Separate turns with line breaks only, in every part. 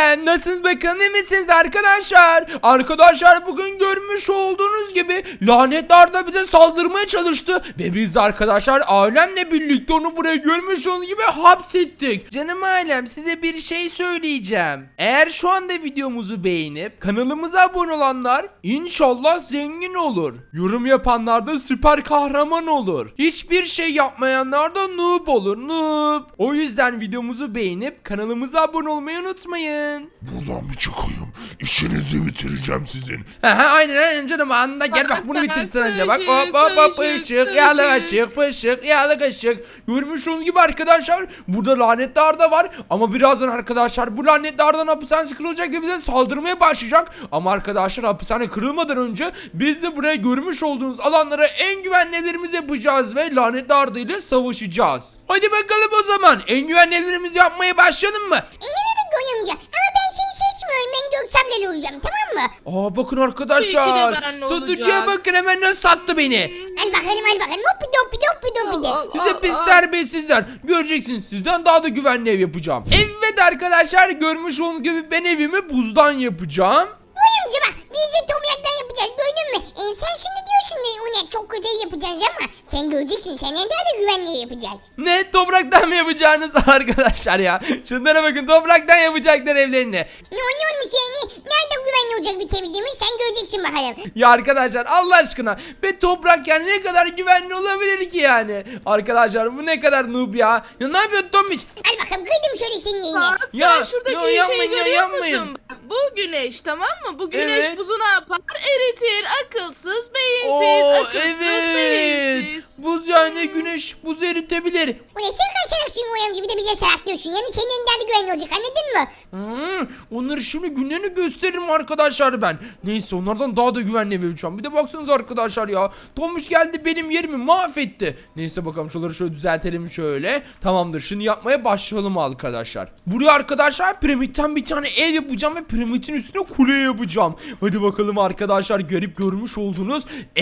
Nasılsınız bakalım, iyi misiniz arkadaşlar? Arkadaşlar bugün görmüş olduğunuz gibi lanetli Arda bize saldırmaya çalıştı. Ve biz de arkadaşlar ailemle birlikte onu buraya görmüş olduğunuz gibi hapsettik. Canım ailem, size bir şey söyleyeceğim. Eğer şu anda videomuzu beğenip kanalımıza abone olanlar inşallah zengin olur. Yorum yapanlar da süper kahraman olur. Hiçbir şey yapmayanlar da noob olur, noob. O yüzden videomuzu beğenip kanalımıza abone olmayı unutmayın.
Buradan bir çıkayım. İşinizi bitireceğim sizin.
Aynen canım, anında gel bak bunu bitirsin önce bak. Hop hop hop, ışık yağlı ışık, pışık yağlı ışık. Görmüş olduğunuz gibi arkadaşlar burada lanetli Arda var ama birazdan arkadaşlar bu lanetli Arda'nın hapishanesi kırılacak ve bize saldırmaya başlayacak. Ama arkadaşlar hapishane kırılmadan önce biz de buraya görmüş olduğunuz alanlara en güvenli evlerimizi yapacağız ve lanetli Arda ile savaşacağız. Hadi bakalım o zaman en güvenli evlerimizi yapmaya başlayalım mı?
İnanın Goyamca ama ben seni seçmiyorum, ben Gökçem'le olacağım, tamam mı?
Bakın arkadaşlar, satıcıya bakın hemen nasıl sattı beni.
Al bakalım hoppi doppi doppi doppi de.
Size pis terbiyesizler. Göreceksiniz, sizden daha da güvenli ev yapacağım. Evet arkadaşlar, görmüş olduğunuz gibi ben evimi buzdan yapacağım.
Goyamca bak, biz de tomyaktan yapacağız, gördün mü? Sen şimdi diyorsun da o ne çok kötü yapacağız ama sen göreceksin, senden daha da güvenli yapacağız.
Ne, topraktan mı yapacağınız arkadaşlar ya? Şunlara bakın, topraktan yapacaklar evlerini.
Ne olmuş yani? Nerede güvenli olacak bir temizliğimiz, sen göreceksin bakalım.
Ya arkadaşlar Allah aşkına, ve toprak yani ne kadar güvenli olabilir ki yani? Arkadaşlar bu ne kadar noob ya. Ya ne yapıyorsun Tomiş?
Al bakalım, kıydım şöyle senin yerine.
Bak
Ya,
sen şuradaki
ya,
şeyi
yapmayın ya,
görüyor
yapmayın.
musun? Bu güneş, tamam mı? Bu güneş
Evet.
buzu ne yapar? Eritir. Akılsız, beyinsiz. Akılsız, beyinsiz.
Buz yani güneş buzu eritebilir.
Bu ne sen kaçacaksın Goyamca, bir de bize saraklıyorsun. Yani senin daha da güvenli olacak, anladın mı?
Onları şimdi günlerini gösteririm arkadaşlar ben. Neyse, onlardan daha da güvenli ev yapacağım. Bir de baksanıza arkadaşlar ya. Tomuş geldi benim yerimi mahvetti. Neyse bakalım, şuraları şöyle düzeltelim şöyle. Tamamdır, şimdi yapmaya başlayalım arkadaşlar. Buraya arkadaşlar piramitten bir tane ev yapacağım ve piramidin üstüne kule yapacağım. Hadi bakalım arkadaşlar, görmüş olduğunuz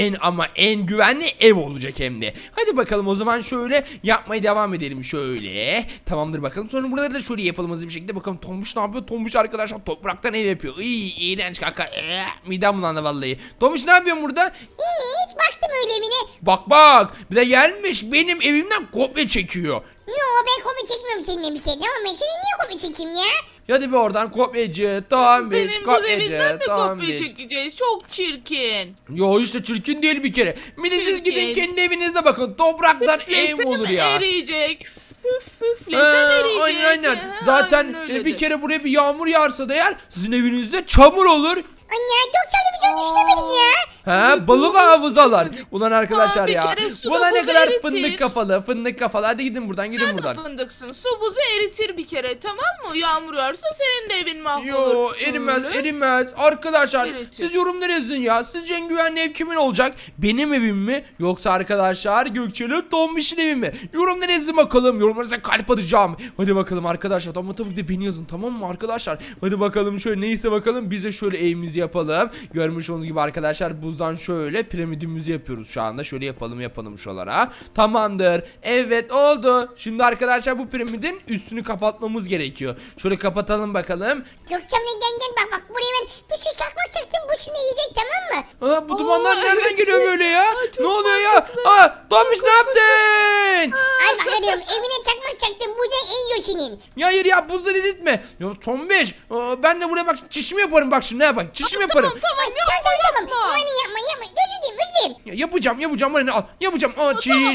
en güvenli ev olacak hem de. Hadi bakalım o zaman şöyle yapmaya devam edelim şöyle. Tamamdır bakalım. Sonra buraları da şöyle yapalım hızlı bir şekilde. Bakalım Tomuş ne yapıyor? Tomuş arkadaşlar topraktan ev yapıyor. İğrenç kanka. Midem bulandı vallahi. Tomuş ne yapıyorsun burada?
Hiç baktım öyle evine.
Bak. Bir de gelmiş benim evimden kopya çekiyor.
Yo, ben kopya çekmiyorum seninle bir şey, tamam mı? Seni niye kopya çekeyim ya?
Hadi bir oradan kopyacı. Tomuş
Senin bu evinden mi kopya
Tomuş.
çekeceğiz? Çok çirkin.
Yo işte çirkin değil bir kere. Bir de siz
Çirkin.
gidin kendi evinizde bakın. Topraktan ev
Üflesem
olur ya.
eriyecek. Üflesem eriyecek.
Aynen.
Ha,
Zaten
aynen öyledir.
bir kere buraya bir yağmur yağarsa da eğer sizin evinizde çamur olur.
Anne, Gökçem'le bir şey düşünemedim ya.
Balık havuzalar. Ulan arkadaşlar
bir
ya.
kere su
Buna ne
buzu
kadar
eritir.
fındık kafalı. Hadi gidin buradan, gidin
Sen de
buradan.
fındıksın. Su buzu eritir bir kere, tamam mı? Yağmur yağarsa senin de evin mahvolur.
Yo, erimez. Arkadaşlar
Eritir.
siz yorumlara yazın ya. Sizce en güvenli ev kimin olacak? Benim evim mi? Yoksa arkadaşlar Gökçe'nin Tombiş'in evi mi? Yorumlara yazın bakalım. Yorumlarınıza kalp atacağım. Hadi bakalım arkadaşlar. Ama tabii ki de beni yazın, tamam mı arkadaşlar? Hadi bakalım şöyle, neyse bakalım. Biz de şöyle evimizi yapalım. Görmüş olduğunuz gibi arkadaşlar buzdan şöyle piramidimizi yapıyoruz şu anda. Şöyle yapalım şuralara. Tamamdır. Evet, oldu. Şimdi arkadaşlar bu piramidin üstünü kapatmamız gerekiyor. Şöyle kapatalım bakalım.
Gökçem'le gel bak buraya ben bir sürü çakmak çaktım, bu şimdi yiyecek, tamam mı?
Bu dumanlar nereden
evet.
geliyor böyle ya?
Çok
Ne oluyor ya?
mantıklı.
Tomuş ne yaptın?
Al bakalım, evine çakmak çaktım, bu da en yiyor senin.
Ya hayır ya, buzları eritme. Ya Tomuş, ben de buraya bak çişimi yaparım bak şimdi, ne bak çişimi yaparım.
Tamam
Tamam.
yapma.
Hani yapma. Özür dilerim.
Ya, yapacağım bana ne al. Yapacağım. Çiş.
Ya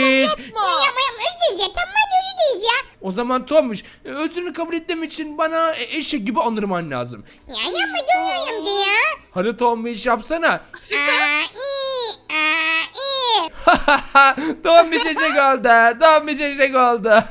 yapma. Özür dilerim. Tamam, hadi özür dileriz ya.
O zaman Tomuş, özrünü kabul etmem için bana eşek gibi anırman lazım.
Ya yapma Gökçem amca ya.
Hadi Tomuş yapsana.
İyi.
Tomuş eşek oldu.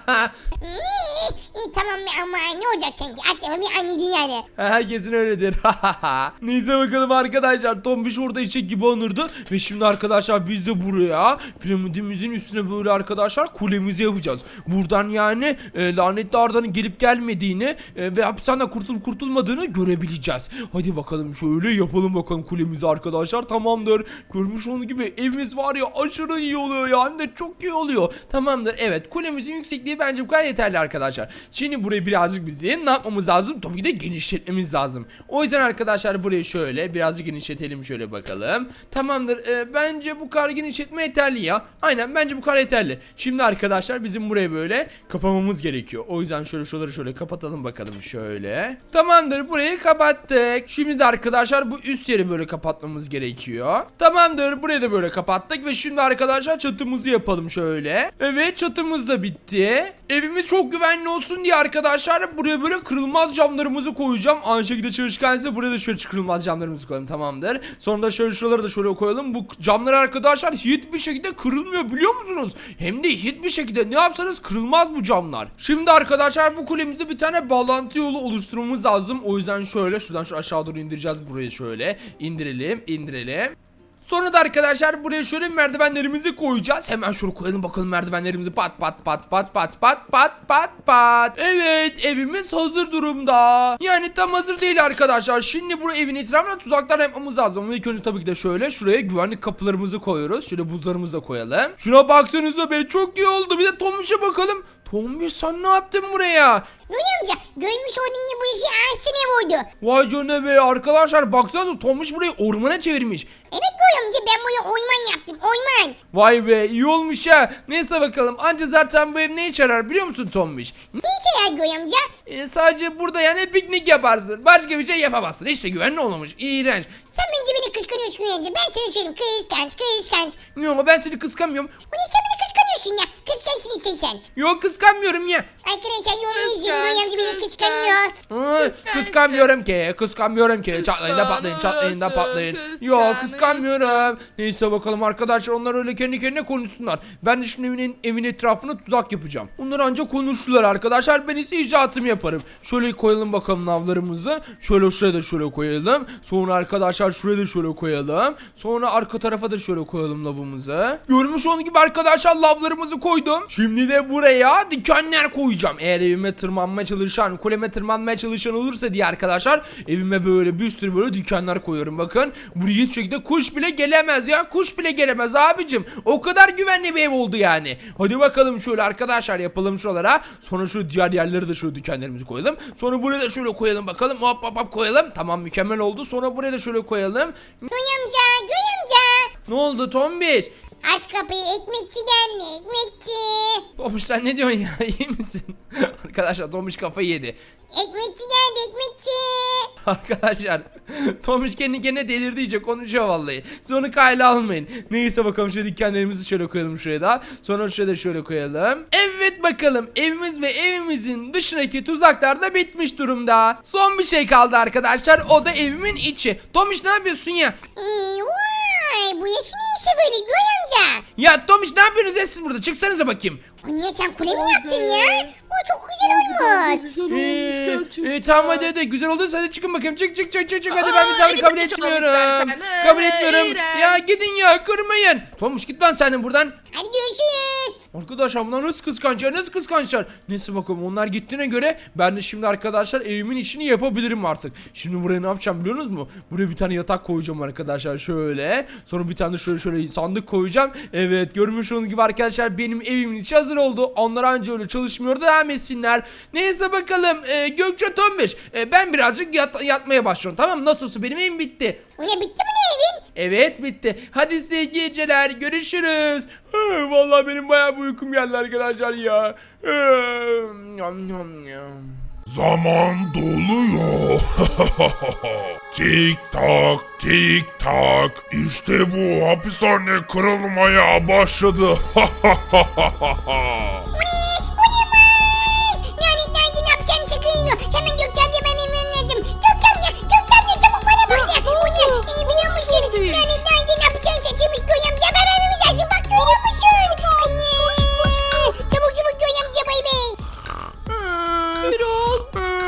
İyi tamam ama ne olacak sanki? Hadi bir anladım yani.
Herkesin öyledir. Neyse bakalım arkadaşlar. Tombiş orada eşek gibi anırdı. Ve şimdi arkadaşlar biz de buraya piramidimizin üstüne böyle arkadaşlar kulemizi yapacağız. Buradan yani lanetli Arda'nın gelip gelmediğini ve hapishaneden kurtulup kurtulmadığını görebileceğiz. Hadi bakalım şöyle yapalım bakalım kulemizi arkadaşlar. Tamamdır. Görmüş olduğunuz gibi evimiz var ya, aşırı iyi oluyor ya. Hem de çok iyi oluyor. Tamamdır. Evet, kulemizin yüksekliği bence bu kadar yeterli arkadaşlar. Şimdi burayı birazcık bizi ne yapmamız lazım? Tabii ki de genişletmemiz lazım. O yüzden arkadaşlar burayı şöyle birazcık genişletelim şöyle bakalım. Tamamdır. Bence bu kadar genişletme yeterli ya. Aynen bence bu kadar yeterli. Şimdi arkadaşlar bizim burayı böyle kapamamız gerekiyor. O yüzden şöyle şuraları şöyle kapatalım bakalım şöyle. Tamamdır, burayı kapattık. Şimdi de arkadaşlar bu üst yeri böyle kapatmamız gerekiyor. Tamamdır, burayı da böyle kapattık ve şimdi arkadaşlar çatımızı yapalım şöyle. Evet, çatımız da bitti. Evimiz çok güvenli olsun diye arkadaşlar buraya böyle kırılmaz camlarımızı koyacağım. Aynı şekilde çalışkan ise buraya da şöyle kırılmaz camlarımızı koyalım, tamamdır. Sonra da şöyle şuraları da şöyle koyalım. Bu camlar arkadaşlar hiçbir şekilde kırılmıyor biliyor musunuz? Hem de hiçbir şekilde ne yapsanız kırılmaz bu camlar. Şimdi arkadaşlar bu kulemize bir tane bağlantı yolu oluşturmamız lazım. O yüzden şöyle şuradan şu aşağı doğru indireceğiz, burayı şöyle indirelim. Sonra da arkadaşlar buraya şöyle merdivenlerimizi koyacağız. Hemen şöyle koyalım bakalım merdivenlerimizi. Pat. Evet, evimiz hazır durumda. Yani tam hazır değil arkadaşlar. Şimdi bu evin etrafına tuzaklar yapmamız lazım. Ama ilk önce tabii ki de şöyle şuraya güvenlik kapılarımızı koyuyoruz. Şöyle buzlarımızı da koyalım. Şuna baksanıza be, çok iyi oldu. Bir de Tombiş'e bakalım. Tombiş, sen ne yaptın buraya?
Göğe amca görmüş olduğun gibi bu işi ağaçtan vurdu.
Vay canına be arkadaşlar, baksanıza Tombiş burayı ormana çevirmiş.
Evet Göğe amca, ben buraya orman yaptım, orman.
Vay be, iyi olmuş ha. Neyse bakalım, anca zaten bu ev ne işe yarar biliyor musun Tombiş?
Ne işe yarar Göğe amca?
Sadece burada yani piknik yaparsın. Başka bir şey yapamazsın. İşte güvenli olmamış. İğrenç.
Sen bence beni kıskanıyorsun Göğe amca. Ben sana söyleyeyim, kıskanç.
Yok ama ben seni kıskanmıyorum.
Bu ne, sen beni kıskanıyorsun ya. Kıskançsın sen.
Yok, kıskanmıyorum ya.
Arkadaşlar yorumunu izleyin, Göğe amca beni kıskanıyor.
Kıskanmıyorum ki. Çatlayın da patlayın. Yok, kıskanmıyorum. Neyse bakalım arkadaşlar, onlar öyle kendi kendine konuşsunlar. Ben de şimdi evin etrafına tuzak yapacağım. Onlar ancak konuştular arkadaşlar. Ben ise icraatımı yaparım. Şöyle koyalım bakalım lavlarımızı. Şöyle şuraya da şöyle koyalım. Sonra arkadaşlar şuraya da şöyle koyalım. Sonra arka tarafa da şöyle koyalım lavımızı. Görmüş olduğunuz gibi arkadaşlar lavlarımızı koydum. Şimdi de buraya dikenler koyacağım. Eğer evime tırmanmaya çalışan, kuleme tırmanmaya çalışan olursa diye arkadaşlar, evime böyle bir sürü böyle dikenler koyuyorum. Bakın, buraya hiçbir şekilde kuş bile gelemez ya. Kuş bile gelemez abicim. O kadar güvenli bir ev oldu yani. Hadi bakalım şöyle arkadaşlar yapalım şuralara. Sonra şu diğer yerlere de şöyle dikenlerimizi koyalım. Sonra buraya da şöyle koyalım bakalım. Hop koyalım. Tamam, mükemmel oldu. Sonra buraya da şöyle koyalım.
Göğe amca.
Ne oldu Tombiş?
Aç kapıyı, ekmekçi geldi, ekmekçi.
Tombiş, sen ne diyorsun ya? İyi misin? Arkadaşlar Tombiş kafayı yedi.
Ekmekçi geldi, ekmekçi.
Arkadaşlar Tombiş kendi kendine delirdi, iyice konuşuyor vallahi. Siz onu kayla almayın. Neyse bakalım, şöyle dikenlerimizi şöyle koyalım şuraya da. Sonra şuraya da şöyle koyalım. Evet bakalım, evimiz ve evimizin dışındaki tuzaklar da bitmiş durumda. Son bir şey kaldı arkadaşlar, o da evimin içi. Tombiş, ne yapıyorsun ya?
Vay, bu yaşı ne işe böyle Göğe amca?
Ya Tombiş, ne yapıyorsunuz ya siz burada? Çıksanıza bakayım.
Anne, sen kule mi yaptın ya? O çok güzel olmuş.
Tamam hadi güzel olduysa hadi çıkın bakayım. Çık hadi, ben misafirini kabul etmiyorum. Kabul etmiyorum. Ya gidin ya, kırmayın. Tomuş, git lan sen de buradan.
Hadi görüşürüz.
Arkadaşlar bunlar nasıl kıskançlar. Neyse bakalım, onlar gittiğine göre ben de şimdi arkadaşlar evimin işini yapabilirim artık. Şimdi buraya ne yapacağım biliyor musunuz mu? Buraya bir tane yatak koyacağım arkadaşlar şöyle. Sonra bir tane de şöyle sandık koyacağım. Evet, görmüş olduğunuz gibi arkadaşlar benim evimin içi hazır oldu. Onlar anca öyle çalışmıyor da devam etsinler. Neyse bakalım Gökçe, Tombiş, ben birazcık yatmaya başlıyorum, tamam mı? Nasıl olsa benim evim bitti.
O ne, bitti mi ne evin?
Evet, bitti. Hadi size iyi geceler. Görüşürüz. Vallahi benim bayağı bir uykum geldi arkadaşlar ya.
Zaman doluyor. Tik tak. İşte bu, hapishane kırılmaya başladı.
Nerede ne yapacağını şakayıyor. Hemen Gökçe amca, ben emin lazım. Gökçe amca çabuk bana bak ya. O ne, biliyor musun? Nerede ne yapacağını şaşırmış Gökçe amca. Ben evimiz lazım, bak görüyor musun? Anne. Çabuk Gökçe amca, bay bay.
Gürol.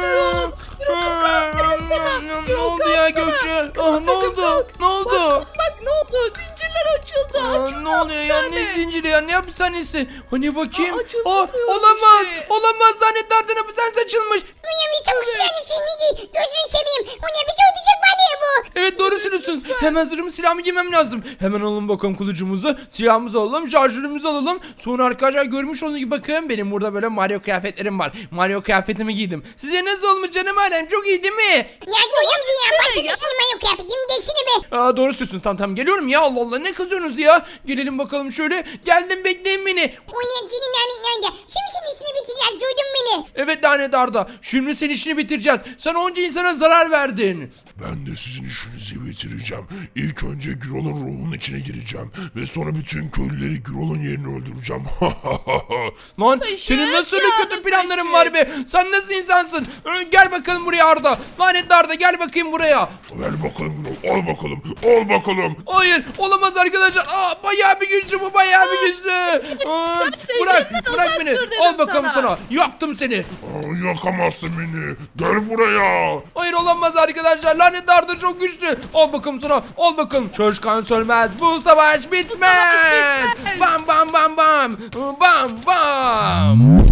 Ne oldu ya Gökçe? Ne oldu?
Bak ne oldu? Zincirler açıldı.
Ne oluyor ya? Ne zinciri ya? Ne hapishanesi? Hani bakayım.
Açıldı
Olamaz.
şey.
Olamaz. Zannetlerden hapishanesi açılmış.
Gökçe amca çabuk silahını şimdi giy. Gözünü seveyim. O ne, bir şey olacak var ya bu.
Evet, doğru söylüyorsunuz. Hemen zırhımı silahımı giymem lazım. Hemen alalım bakalım kılıcımızı. Silahımızı alalım. Şarjörümüzü alalım. Sonra arkadaşlar görmüş olduğunuz gibi bakın benim burada böyle Mario kıyafetlerim var. Mario kıyafetimi giydim. Size nasıl olmuş canım alem? Çok iyi değil mi?
Ya Göğe amca ya başka bir şey mi yok kıyafetinin geçini be.
Aa, doğru söylüyorsun. Tamam geliyorum ya. Allah Allah ne kızıyorsunuz ya? Gelelim bakalım şöyle. Geldim bekleyin beni.
O ne senin nerede? Şimdi senin işini bitireceğiz duydun beni.
Evet lanet Arda. Şimdi senin işini bitireceğiz. Sen onca insana zarar verdin.
Ben de sizin işinizi bitireceğim. İlk önce Gürol'un ruhunun içine gireceğim. Ve sonra bütün köylüleri Gürol'un yerini öldüreceğim.
Lan
Işık,
senin nasıl öyle kötü
yandık
planların
Işık.
var be? Sen nasıl insansın? Gel bakalım buraya Arda. Lanetli Arda gel bakayım buraya.
Ver bakalım Gürol. Al bakalım. Al bakalım.
Hayır olamaz arkadaşlar. Aa, bayağı bir güçlü bu bayağı bir güçlü. Aa, bırak
sevgilimden
bırak
uzak
beni.
dur dedim
Al bakalım
sana.
sana. Yaktım seni.
Aa, yakamazsın beni. Gel buraya.
Hayır olamaz arkadaşlar. Lanetli Arda çok güçlü. Al bakalım sana. Al bakalım. Çalışkan sönmez. Bu savaş bitmez.
bitmez.
Bam bam bam bam. Bam bam.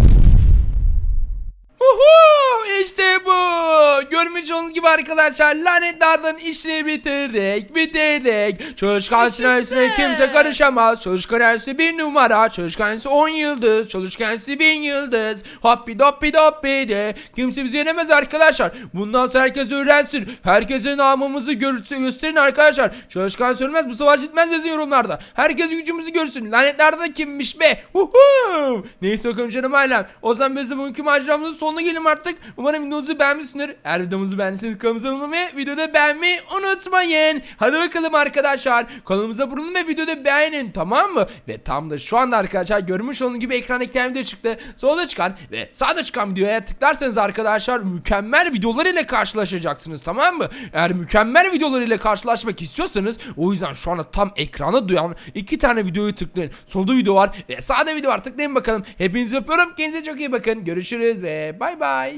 Uhu, işte bu. Görmüş olduğunuz gibi arkadaşlar lanetli Arda'nın işini bitirdik. Çalışkan sinesine kimse karışamaz. Çalışkan ensi 1 numara. Çalışkan ensi 10 yıldız. Çalışkan ensi 1000 yıldız. Hoppi doppi doppi de. Kimse bizi yenemez arkadaşlar. Bundan sonra herkes öğrensin. Herkese namımızı gösterin arkadaşlar. Çalışkan sönmez bu savaş bitmez yazın yorumlarda. Herkes gücümüzü görsün. Lanetli Arda kimmiş be? Uhu. Neyse bakalım canım ailem. O zaman biz de bugünkü maceramızın sonuna gelelim artık. Umarım videomuzu beğenmişsinizdir. Eğer videomuzu beğendiyseniz kanalımıza abone olmayı ve videoda beğenmeyi unutmayın. Hadi bakalım arkadaşlar. Kanalımıza abone olun ve videoda beğenin, tamam mı? Ve tam da şu anda arkadaşlar görmüş olduğunuz gibi ekranda iki tane video çıktı. Solda çıkan ve sağda çıkan videoya tıklarsanız arkadaşlar mükemmel videolar ile karşılaşacaksınız, tamam mı? Eğer mükemmel videolar ile karşılaşmak istiyorsanız o yüzden şu anda tam ekrana duyan iki tane videoyu tıklayın. Solda video var ve sağda video var, tıklayın bakalım. Hepinizi öpüyorum. Kendinize çok iyi bakın. Görüşürüz ve bay bay.